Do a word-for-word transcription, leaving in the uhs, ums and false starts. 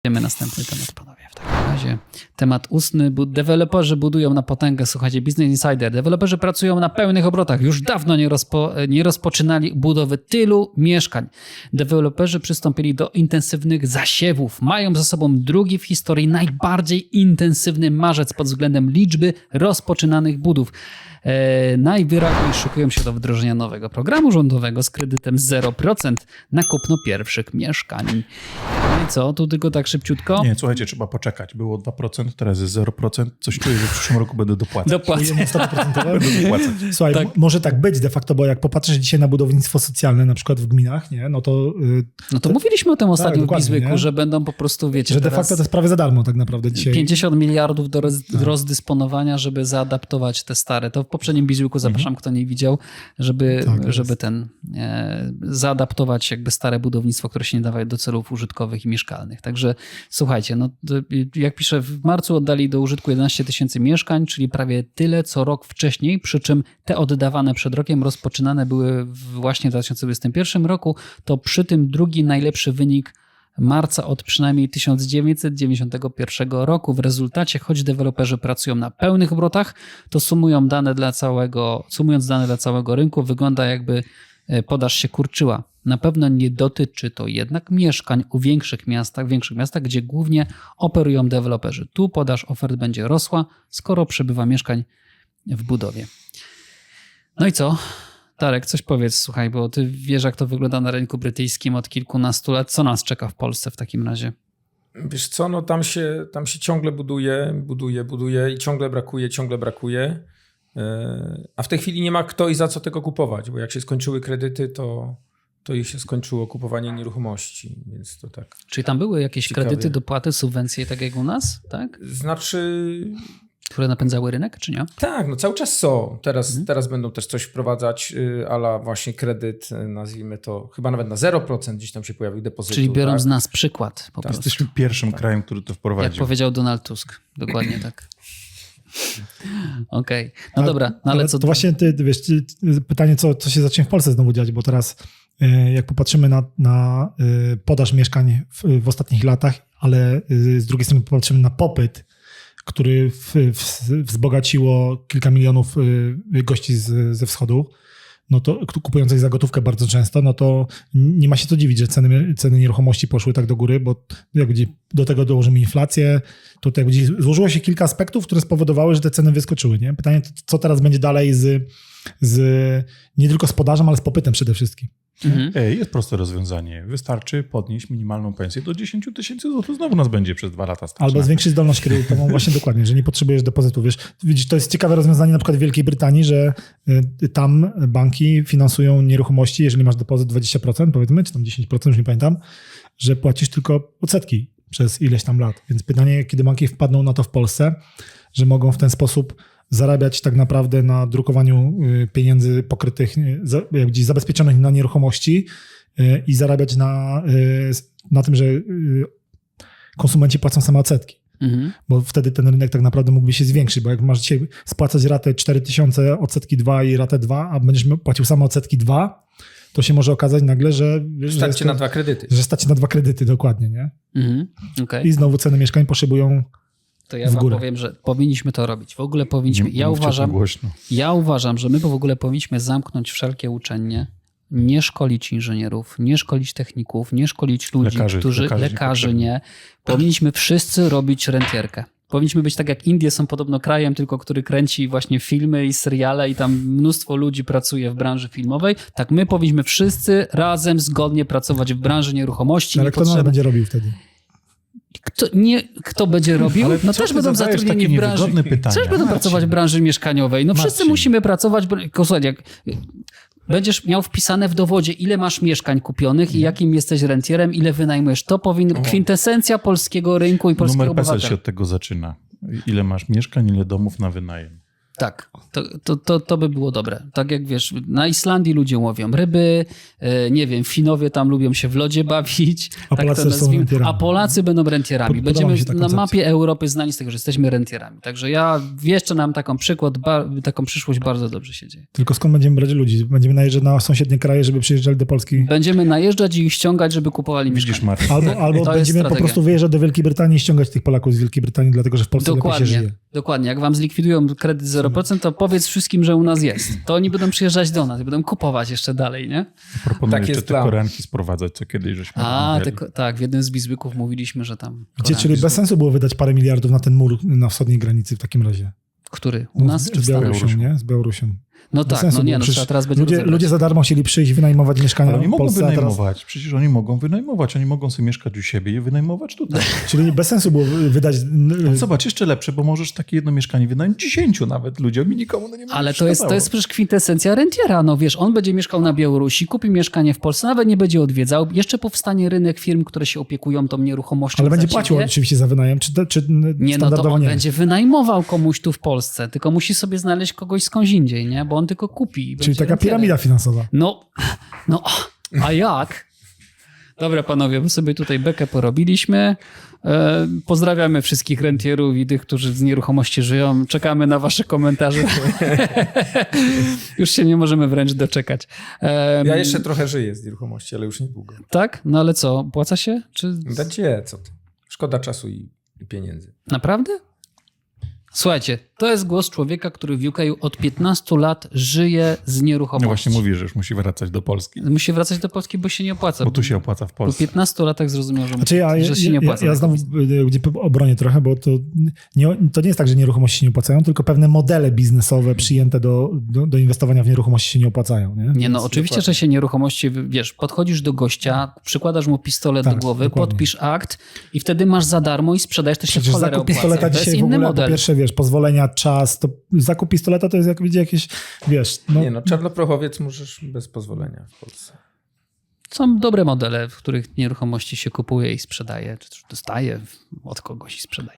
Idziemy następny temat, panowie. W takim razie temat ustny. Deweloperzy budują na potęgę. Słuchajcie, Business Insider. Deweloperzy pracują na pełnych obrotach. Już dawno nie, rozpo, nie rozpoczynali budowy tylu mieszkań. Deweloperzy przystąpili do intensywnych zasiewów. Mają za sobą drugi w historii najbardziej intensywny marzec pod względem liczby rozpoczynanych budów. E, najwyraźniej szykują się do wdrożenia nowego programu rządowego z kredytem zero procent na kupno pierwszych mieszkań. No i co? Tu tylko tak szybciutko? Nie, słuchajcie, trzeba poczekać. Było dwa procent, teraz jest zero procent. Coś czuję, że w przyszłym roku będę dopłacać. Dopłacę. Będę dopłacać. Słuchaj, Tak. m- może tak być de facto, bo jak popatrzysz dzisiaj na budownictwo socjalne, na przykład w gminach, nie, no to, yy, No to mówiliśmy o tym ostatnio w dokładnie, Bizłyku, nie? że będą po prostu, wiecie, że de teraz facto to jest prawie za darmo tak naprawdę dzisiaj. pięćdziesiąt miliardów do roz, rozdysponowania, żeby zaadaptować te stare. To w poprzednim Bizłyku zapraszam, kto nie widział, żeby, Tak jest. żeby ten e, zaadaptować jakby stare budownictwo, które się nie dawało do celów użytkowych i mieszkalnych. Także słuchajcie, no, to, jak piszę, w marcu oddali do użytku jedenaście tysięcy mieszkań, czyli prawie tyle co rok wcześniej, przy czym te oddawane przed rokiem rozpoczynane były właśnie w dwa tysiące dwudziestym pierwszym roku, to przy tym drugi najlepszy wynik marca od przynajmniej tysiąc dziewięćset dziewięćdziesiątego pierwszego roku. W rezultacie, choć deweloperzy pracują na pełnych obrotach, to sumują dane dla całego, sumując dane dla całego rynku, wygląda jakby podaż się kurczyła. Na pewno nie dotyczy to jednak mieszkań u większych miastach, większych miastach, gdzie głównie operują deweloperzy. Tu podaż ofert będzie rosła, skoro przybywa mieszkań w budowie. No i co? Darek, coś powiedz, słuchaj, bo ty wiesz, jak to wygląda na rynku brytyjskim od kilkunastu lat. Co nas czeka w Polsce w takim razie? Wiesz co, no tam się, tam się ciągle buduje, buduje, buduje i ciągle brakuje, ciągle brakuje. Yy, a w tej chwili nie ma kto i za co tego kupować, bo jak się skończyły kredyty, to, to ich się skończyło kupowanie nieruchomości, więc to tak. Czyli tam były jakieś Ciekawie. kredyty, dopłaty, subwencje, tak jak u nas, tak? Znaczy... Które napędzały rynek, czy nie? Tak, no cały czas są. Teraz, Mhm. teraz będą też coś wprowadzać, yy, ala właśnie kredyt, yy, nazwijmy to, chyba nawet na zero procent gdzieś tam się pojawił depozytu. Czyli biorą tak? z nas przykład po Tak. prostu. Jesteśmy pierwszym krajem, który to Jak wprowadził. powiedział Donald Tusk. Dokładnie tak. Okej. Okay. No A- dobra, no ale co... To właśnie ty, ty wiesz, ty, ty, pytanie, co, co się zacznie w Polsce znowu dziać, bo teraz y, jak popatrzymy na, na y, podaż mieszkań w, w ostatnich latach, ale y, z drugiej strony popatrzymy na popyt, który w, w, wzbogaciło kilka milionów y, gości z, ze wschodu, no to kupujących za gotówkę bardzo często, no to nie ma się co dziwić, że ceny, ceny nieruchomości poszły tak do góry, bo jak będzie do tego dołożymy inflację, to tak będzie, złożyło się kilka aspektów, które spowodowały, że te ceny wyskoczyły. Nie? Pytanie, co teraz będzie dalej z, z nie tylko z podażą, ale z popytem przede wszystkim. Mhm. Ej, jest proste rozwiązanie. Wystarczy podnieść minimalną pensję do dziesięć tysięcy złotych. Znowu nas będzie przez dwa lata stać. Albo na zwiększyć zdolność kredytową, właśnie dokładnie, że nie potrzebujesz depozytu. Wiesz, widzisz, to jest ciekawe rozwiązanie na przykład w Wielkiej Brytanii, że y, tam banki finansują nieruchomości, jeżeli masz depozyt dwadzieścia procent, powiedzmy, czy tam dziesięć procent, już nie pamiętam, że płacisz tylko odsetki przez ileś tam lat. Więc pytanie, kiedy banki wpadną na to w Polsce, że mogą w ten sposób zarabiać tak naprawdę na drukowaniu y, pieniędzy pokrytych, y, za, jak gdzieś zabezpieczonych na nieruchomości y, i zarabiać na, y, na tym, że y, konsumenci płacą same odsetki. Mhm. Bo wtedy ten rynek tak naprawdę mógłby się zwiększyć, bo jak masz dzisiaj spłacać ratę cztery tysiące, odsetki dwa i ratę dwa, a będziesz płacił same odsetki dwa, to się może okazać nagle, że... że Stać jest się to- na dwa kredyty. Że stać się na dwa kredyty, dokładnie, nie? Mhm. Okej. I znowu ceny mieszkań poszybują. To ja w wam górę. powiem, że powinniśmy to robić. W ogóle powinniśmy... Nie, Ja mówcie to uważam, głośno. ja uważam, że my w ogóle powinniśmy zamknąć wszelkie uczelnie, nie szkolić inżynierów, nie szkolić techników, nie szkolić ludzi, Lekarzy, którzy... lekarzy Lekarzy, niepotrzebni. nie. Powinniśmy wszyscy robić rentierkę. Powinniśmy być tak jak Indie są podobno krajem, tylko który kręci właśnie filmy i seriale i tam mnóstwo ludzi pracuje w branży filmowej. Tak my powinniśmy wszyscy razem, zgodnie pracować w branży nieruchomości. Ale kto nas będzie robił wtedy? Kto, nie, kto będzie robił? Ale No co też ty będą zadajesz zatrudnieni takie w branży. niewygodne pytania? Też będą Marcin. pracować w branży mieszkaniowej. No wszyscy Marcin. musimy pracować. bo- Słuchaj, jak będziesz miał wpisane w dowodzie, ile masz mieszkań kupionych i jakim jesteś rentierem, ile wynajmujesz. To powinno kwintesencja polskiego rynku i polskiego Numer PESEL się obywatela. od tego zaczyna. Ile masz mieszkań, ile domów na wynajem. Tak, to, to, to, to by było dobre. Tak jak wiesz, na Islandii ludzie łowią ryby, e, nie wiem, Finowie tam lubią się w lodzie bawić. A tak Polacy to są nazwijmy. rentierami. A Polacy będą rentierami. Pod- podoba Będziemy mi się ta na koncepcja. mapie Europy znani z tego, że jesteśmy rentierami. Także ja jeszcze nam taką przykład, ba, taką przyszłość bardzo dobrze się dzieje. Tylko skąd będziemy brać ludzi? Będziemy najeżdżać na sąsiednie kraje, żeby przyjeżdżali do Polski? Będziemy najeżdżać i ich ściągać, żeby kupowali Widzisz, mieszkania. Marcin. Albo, Tak, albo to jest będziemy po strategia. prostu wyjeżdżać do Wielkiej Brytanii i ściągać tych Polaków z Wielkiej Brytanii, dlatego że w Polsce lepiej się Dokładnie, żyje. dokładnie. Jak wam zlikwidują kredyt zero procent, to powiedz wszystkim, że u nas jest. To oni będą przyjeżdżać do nas i będą kupować jeszcze dalej, nie? Proponuję Tak jeszcze jest te plan. koreanki sprowadzać, co kiedyś żeśmy A, rozmawiali. te, tak, w jednym z bizbyków mówiliśmy, że tam... Gdzie, Koreański- czyli bez sensu było wydać parę miliardów na ten mur na wschodniej granicy w takim razie. Który? U No, nas z, czy w z Stanach? Białorusią, nie? Z Białorusią. No Bez tak, sensu no nie, było. no Przecież trzeba teraz będzie ludzie, rozebrać. ludzie za darmo chcieli przyjść, wynajmować mieszkania Ale oni w mogą Polsce, a teraz... wynajmować, przecież oni mogą wynajmować, oni mogą sobie mieszkać u siebie i wynajmować tutaj. Czyli bez sensu było wydać... Zobacz, jeszcze lepsze, bo możesz takie jedno mieszkanie wynająć dziesięciu nawet ludziom i nikomu no nie będzie Ale to jest, to przeszkadzało. jest przecież kwintesencja rentiera. No wiesz, on będzie mieszkał na Białorusi, kupi mieszkanie w Polsce, nawet nie będzie odwiedzał. Jeszcze powstanie rynek firm, które się opiekują tą nieruchomością. Ale będzie za płacił ciebie. oczywiście za wynajem, czy, te- czy Nie, no to standardowo on nie? będzie wynajmował komuś tu w Polsce, tylko musi sobie znaleźć kogoś skądś indziej, nie? Bo on tylko kupi. i Czyli będzie taka rentierem. piramida finansowa. No, no, a jak? Dobra, panowie, my sobie tutaj bekę porobiliśmy. E, pozdrawiamy wszystkich rentierów i tych, którzy z nieruchomości żyją. Czekamy na wasze komentarze. Już się nie możemy wręcz doczekać. E, Ja jeszcze trochę żyję z nieruchomości, ale już niedługo. Tak? No ale co, opłaca się? Czy... Gdzie, co ty? Szkoda czasu i, i pieniędzy. Naprawdę? Słuchajcie, to jest głos człowieka, który w U K od piętnastu lat żyje z nieruchomości. No właśnie mówi, że już musi wracać do Polski, Musi wracać do Polski, bo się nie opłaca. bo tu się opłaca w Po Polsce. piętnastu latach zrozumiał, że, Znaczy ja, że się ja, nie ja, opłaca. ja znowu y, gdzie obronię trochę, bo to nie, to nie jest tak, że nieruchomości się nie opłacają, tylko pewne modele biznesowe przyjęte do, do, do inwestowania w nieruchomości się nie opłacają. Nie, Nie, no Więc oczywiście, dokładnie. że się nieruchomości, wiesz, podchodzisz do gościa, przykładasz mu pistolet Tak, do głowy, dokładnie. podpisz akt i wtedy masz za darmo i sprzedajesz, to się w Przecież cholerę zakup opłaca. pistoleta To jest dzisiaj w inny ogóle, model. po pierwsze, wiesz, pozwolenia, czas, to zakup pistoleta to jest jak widzicie jakieś, wiesz, no, Nie no, czarnoprochowiec możesz bez pozwolenia w Polsce. Są dobre modele, w których nieruchomości się kupuje i sprzedaje, czy dostaje od kogoś i sprzedaje.